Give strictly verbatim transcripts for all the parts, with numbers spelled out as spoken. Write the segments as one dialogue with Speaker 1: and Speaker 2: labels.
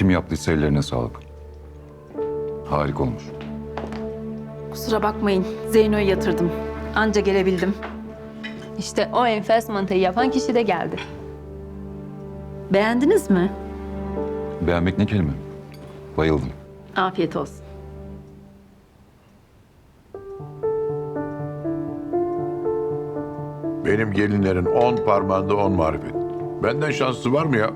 Speaker 1: Kim yaptıysa ellerine sağlık. Harika olmuş.
Speaker 2: Kusura bakmayın. Zeyno'yu yatırdım. Anca gelebildim.
Speaker 3: İşte o enfes mantıyı yapan kişi de geldi.
Speaker 2: Beğendiniz mi?
Speaker 1: Beğenmek ne kelime? Bayıldım.
Speaker 2: Afiyet olsun.
Speaker 4: Benim gelinlerin on parmağında on marifet. Benden şanslı var mı ya?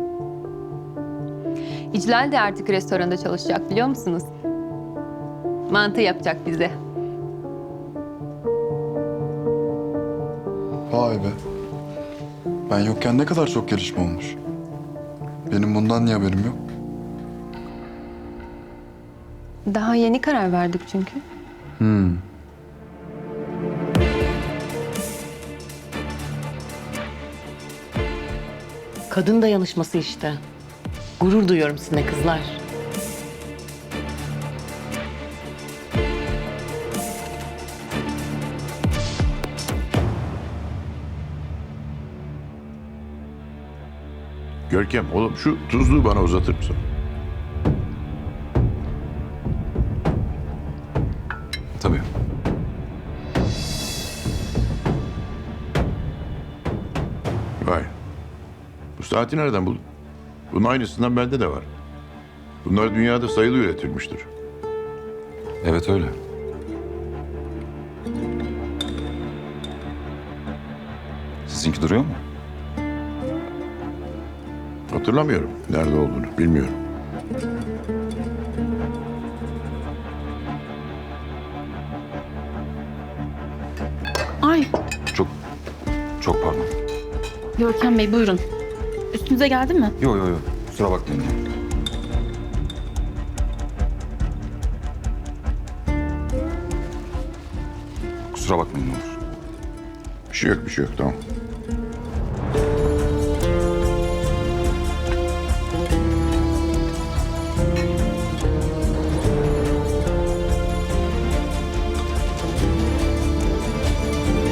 Speaker 3: İclal de artık restoranda çalışacak biliyor musunuz? Mantı yapacak bize.
Speaker 5: Vay be. Ben yokken ne kadar çok gelişme olmuş. Benim bundan niye haberim yok?
Speaker 3: Daha yeni karar verdik çünkü.
Speaker 5: Hmm.
Speaker 6: Kadın dayanışması işte. Gurur duyuyorum sizinle kızlar.
Speaker 4: Görkem oğlum şu tuzluğu bana uzatır mısın?
Speaker 1: Tabii.
Speaker 4: Vay. Bu saati nereden buldun? Bunun aynısından bende de var. Bunlar dünyada sayılı üretilmiştir.
Speaker 1: Evet öyle. Sizinki duruyor mu?
Speaker 4: Hatırlamıyorum nerede olduğunu, bilmiyorum.
Speaker 2: Ay,
Speaker 1: Çok, çok pardon.
Speaker 2: Görkem Bey buyurun. Üstünüze geldi mi?
Speaker 1: Yo yo yo. Kusura bakmayın. Kusura bakmayın ne olur.
Speaker 4: Bir şey yok, bir şey yok, tamam.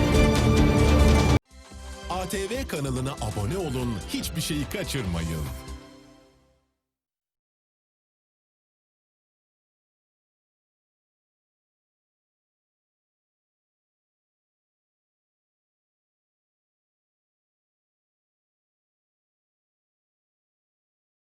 Speaker 7: A T V kanalına abone olun, hiçbir şeyi kaçırmayın.